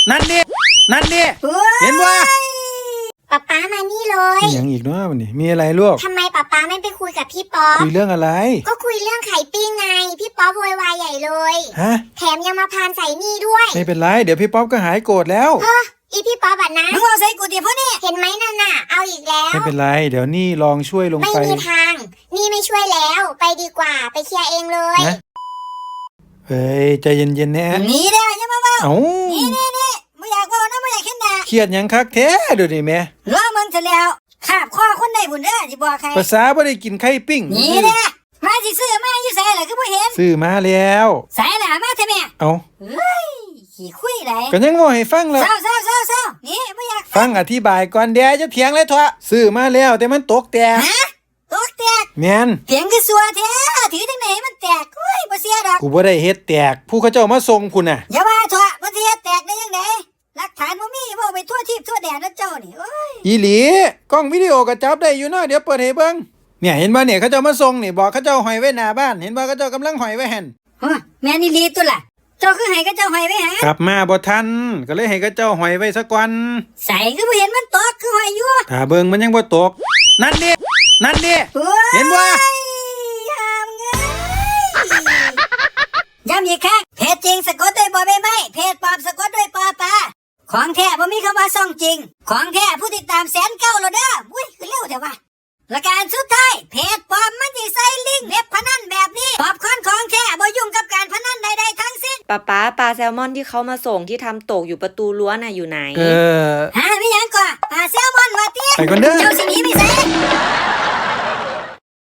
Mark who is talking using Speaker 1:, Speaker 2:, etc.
Speaker 1: นั่นดิเห็นว่า
Speaker 2: ป๊าป๊ามานี่เลย
Speaker 1: อย่างอีกเนาะวันนี้มีอะไรลูก
Speaker 2: ทำไมป๊าป๊าไม่ไปคุยกับพี่ป๊อป
Speaker 1: คุยเรื่องอะไร
Speaker 2: ก็คุยเรื่องไข่ปิ้งไงพี่ป๊อปโวยวายใหญ่เลย
Speaker 1: ฮะ
Speaker 2: แถมยังมาพานใส่นี่ด้วย
Speaker 1: ไม่เป็นไรเดี๋ยวพี่ป๊อปก็หายโกรธแล้ว
Speaker 2: อีพี่ป๊อปอะนะ
Speaker 3: มึงเอาใส่กูเดี๋ยวพวกนี้
Speaker 2: เห็นไหมนั่นน่ะเอาอีกแล้ว
Speaker 1: ไม่เป็นไรเดี๋ยวนี่ลองช่วยลงไป
Speaker 2: ไม่มีทางนี่ไม่ช่วยแล้วไปดีกว่าไปเคลียร์เองเลย
Speaker 1: เฮ้ยใจเย็นๆนะ
Speaker 3: นี่ได้ยังมา
Speaker 1: เอ้า
Speaker 3: นี่ไม่อยากว่านะไม่อยากเห็นหน้า
Speaker 1: เครียดยังคักแท้ดูดิแม่
Speaker 3: ล้อมึงเสร็จแล้วขาบข้อคนใดบุญเด้อจะบอกใคร
Speaker 1: ภาษาบ่ได้กินไข่ปิ้ง
Speaker 3: นี่แหละมาสิซื้อมาอยู่ใส่เหรอคือบ่เห็น
Speaker 1: ซื้อมาแล้ว
Speaker 3: ใส่ล่ะมาเถอะแม่
Speaker 1: เอ้า
Speaker 3: เฮ้ยขี้คุยไร
Speaker 1: ก็ยังว่าให้ฟังแล้ว
Speaker 3: เศร้านี่ไม่อยาก
Speaker 1: ฟังอธิบายก่อนเดี๋ยวจะเถียงเลยเถอะซื้อมาแล้วแต่มันตกแตก
Speaker 3: ตกแตก
Speaker 1: แม่น
Speaker 3: เถียงคือสัวแท้ถือจังไหนมันแตกเฮ้ยบ่เสียดอก
Speaker 1: กูบ่ได้เฮ็ดแตกผู้เขาเจ้ามาส่งพุ่นน่ะ
Speaker 3: อย่าว่าเถอะมันสิเฮ็ดแตกได้ยังไงหลักฐานบ่มีบ่ไปทั่วทิพย์ทั่วแดนนะเจ้านี่โอ้ย
Speaker 1: อีหลีกล้องวิดีโอก็จับได้อยู่เนาะเดี๋ยวเปิดให้เบิ่งเนี่ยเห็นบ่เนี่ยเขาเจ้ามาส่งนี่บอกเขาเจ้าห้อยไว้หน้าบ้านเห็นบ่เขาเจ้ากำลังห้อยไว้หั่น
Speaker 3: แม่นี่ลีตัวล่ะเจ้าคือให้กับเจ้าห้อยไว้ห
Speaker 1: ากลับมาบ่ทันก็เลยให้เขาเจ้าห้อยไว้ซะก่อน
Speaker 3: ใส่คือบ่เห็นมันตกคือห้อยอยู่
Speaker 1: ถ้าเบิ่งมันยังบ่ตกนั่นดิเห็นบ่
Speaker 3: ย้ำอีกครั้งเพจจริงสะกดด้วยบ่ใบไม้เพจปลอมสะกดด้วยปอปลาของแท้บ่มีคำว่าซ่องจริงของแท้ผู้ติดตาม109,000แล้วเด้ออุ้ยคือเร็วเถอะวะและการสุดท้ายเพจปลอมมันสิใส่ลิงก์เว็บพนันแบบนี้ปอบคอนของแท้บ่ยุ่งกับการพนันใดๆทั้งสิ้น
Speaker 4: ป๊าปลาแซลมอนที่เขามาส่งที่ทำตกอยู่ประตูรั้วน่ะอยู่ไหน
Speaker 3: ฮะไม่ยังก่อนปลาแซลมอนว่าติ
Speaker 1: ไปก่อนเด้อ
Speaker 3: เจ้าสิหนีไปไส